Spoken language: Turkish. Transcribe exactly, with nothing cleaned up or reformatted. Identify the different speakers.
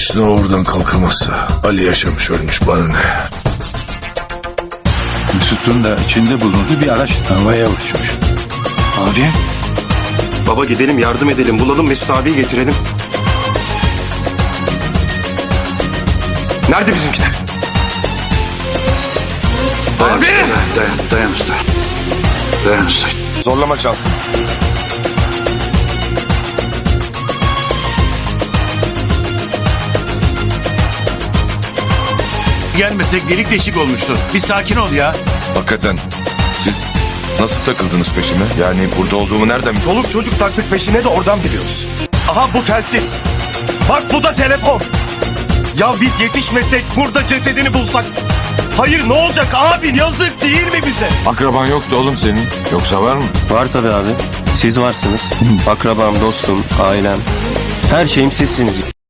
Speaker 1: Hüsnü oradan kalkamazsa Ali yaşamış ölmüş bana ne?
Speaker 2: Mesut'un da içinde bulunduğu bir araç havaya uçmuş.
Speaker 3: Abi. Baba gidelim yardım edelim bulalım Mesut abiyi getirelim. Nerede bizimkiler?
Speaker 2: Dayan,
Speaker 3: Abi!
Speaker 2: Dayan, dayan, dayan usta. Dayan usta.
Speaker 1: Zorlama şansın.
Speaker 4: Gelmesek delik deşik olmuştu. Bir sakin ol ya.
Speaker 5: Hakikaten siz nasıl takıldınız peşime? Yani burada olduğumu nereden biliyorsunuz?
Speaker 3: Çoluk çocuk taktık peşine de oradan biliyoruz. Aha bu telsiz. Bak bu da telefon. Ya biz yetişmesek burada cesedini bulsak. Hayır ne olacak abi yazık değil mi bize?
Speaker 5: Akraban yoktu oğlum senin. Yoksa var mı?
Speaker 6: Var tabii abi. Siz varsınız. Akrabam, dostum, ailem. Her şeyim sizsiniz.